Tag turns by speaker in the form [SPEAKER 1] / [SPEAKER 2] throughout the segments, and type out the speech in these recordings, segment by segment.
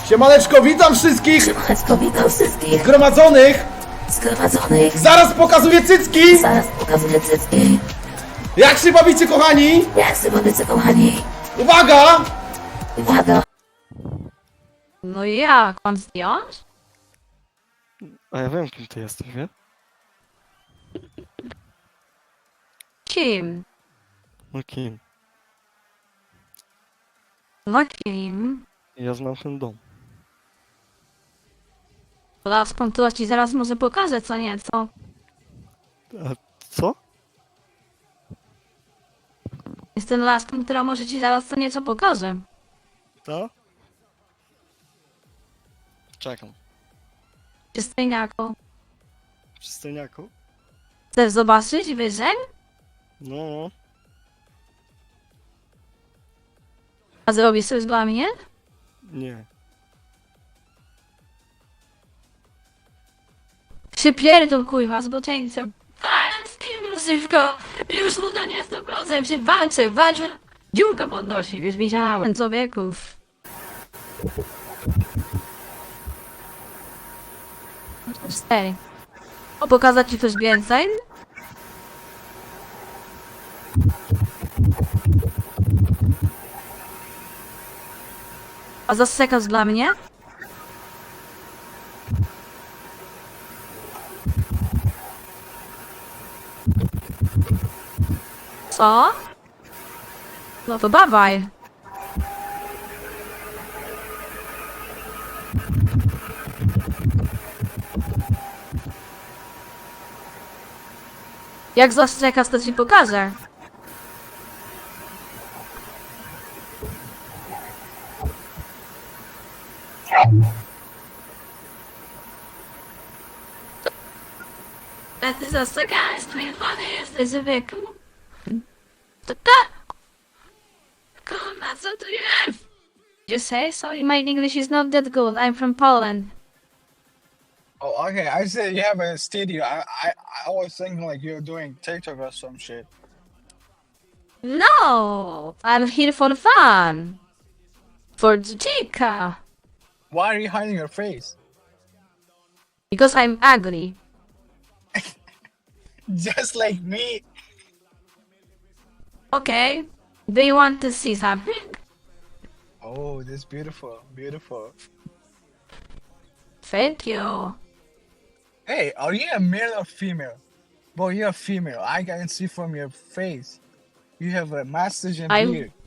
[SPEAKER 1] Siemaneczko, witam wszystkich
[SPEAKER 2] Siemaneczko, witam wszystkich
[SPEAKER 1] zgromadzonych.
[SPEAKER 2] zgromadzonych.
[SPEAKER 1] Zaraz pokazuję cycki.
[SPEAKER 2] Zaraz pokazuję cycki.
[SPEAKER 1] Jak się bawicie, kochani?
[SPEAKER 2] Jak się bawicie, kochani?
[SPEAKER 1] Uwaga!
[SPEAKER 2] Uwaga!
[SPEAKER 3] No jak, mam zdjąć?
[SPEAKER 4] A ja wiem, kim ty jesteś, wie?
[SPEAKER 3] Kim?
[SPEAKER 4] No kim?
[SPEAKER 3] No kim?
[SPEAKER 4] Ja znam ten dom.
[SPEAKER 3] Laską to ci zaraz może pokażę co nieco.
[SPEAKER 4] A co?
[SPEAKER 3] Jestem laską, która może ci zaraz co nieco pokaże.
[SPEAKER 4] To? Czekam.
[SPEAKER 3] Przystojniaku.
[SPEAKER 4] Przystojniaku?
[SPEAKER 3] Chcesz zobaczyć wyżej?
[SPEAKER 4] No.
[SPEAKER 3] A zrobisz coś dla mnie?
[SPEAKER 4] Nie.
[SPEAKER 3] Się pierdol kurwa z boczeńcem. Z tym rozrywko. Już nuda nie jest dobrze, się walczę. Dziurkę podnosi, już widziałem człowieków. Cztery. O, pokazać ci coś więcej? A zasekasz dla mnie? Co? No to dawaj. Jak zastrzekasz, to ci pokażę. A ty zastrzekałeś, twoje pany jesteś zwykły. To tak. Kurwa, co tu jest? You say sorry, my English is not that good. I'm from Poland.
[SPEAKER 5] Oh, okay. I said you have a studio. I was thinking like you're doing TikTok or some shit.
[SPEAKER 3] No, I'm here for fun. For the chica.
[SPEAKER 5] Why are you hiding your face?
[SPEAKER 3] Because I'm ugly.
[SPEAKER 5] Just like me.
[SPEAKER 3] Okay. Do you want to see something?
[SPEAKER 5] Oh, this beautiful, beautiful.
[SPEAKER 3] Thank you.
[SPEAKER 5] Hey, are you a male or female? Boy, you're a female. I can see from your face. You have a mustache and
[SPEAKER 3] I'm
[SPEAKER 5] beard.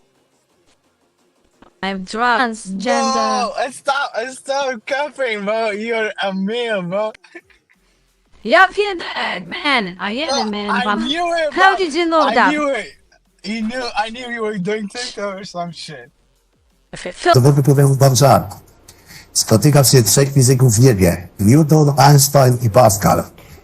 [SPEAKER 3] I'm transgender.
[SPEAKER 5] Bro, stop covering, bro. You're a male, bro.
[SPEAKER 3] Yeah, feel that, man. I am a man.
[SPEAKER 5] I
[SPEAKER 3] but
[SPEAKER 5] knew it.
[SPEAKER 3] How
[SPEAKER 5] bro.
[SPEAKER 3] did you know
[SPEAKER 5] I
[SPEAKER 3] that?
[SPEAKER 5] knew it. I knew you were doing TikTok or some shit.
[SPEAKER 3] If it feels
[SPEAKER 6] To wypływam wam żart. Spotyka się trzech fizyków w niebie. Newton, Einstein i Pascal.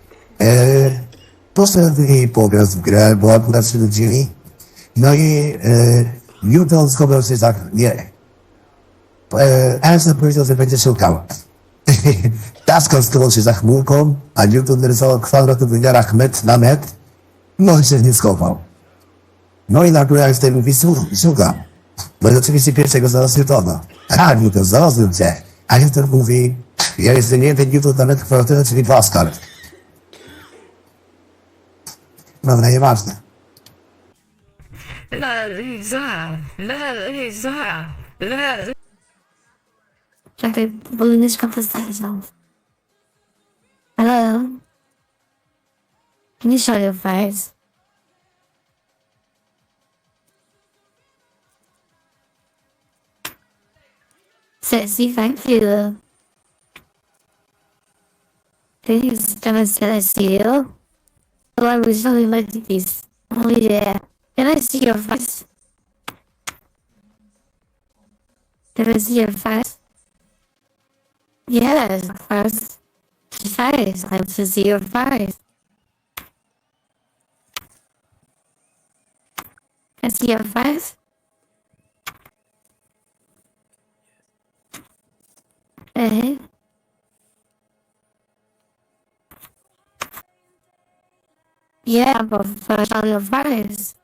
[SPEAKER 6] Poszedł pograć w grę, bo akurat się nudzili. No i Newton schował się za... Nie. Einstein powiedział, że będzie szukał. Pascal schował się za chmurką, a Newton narysował kwadrat w wymiarach metr na metr. No i się nie schował. No i nagle Einstein mówi, słucham. Bo oczywiście pierwszego znalazł Newtona. A, Newton, znalazłem cię. A Newton mówi, ja jestem jeden Newton na metr kwadratowy, czyli Pascal. Dobra, nieważne.
[SPEAKER 2] Czekaj, bo Luniczka postawił. Hello? Can you show your face? Sexy, thank you. Please demonstrate I see you. Oh, I was really like this. Oh yeah. Can I see your face? Can I see your face? Yes, face. Face. I want to see your face. Can I see your face? Eh? Yeah, but first on your face.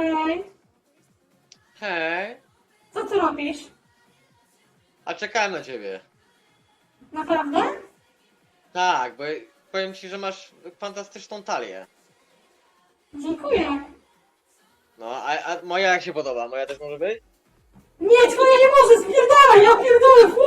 [SPEAKER 7] Hej,
[SPEAKER 8] Hej,
[SPEAKER 7] co ty robisz?
[SPEAKER 8] a czekałem na ciebie.
[SPEAKER 7] Naprawdę?
[SPEAKER 8] Tak, bo powiem ci, że masz fantastyczną talię.
[SPEAKER 7] Dziękuję.
[SPEAKER 8] No, a moja jak się podoba? Moja też może być?
[SPEAKER 7] Nie, twoja nie może, spierdalaj, ja pierdolę,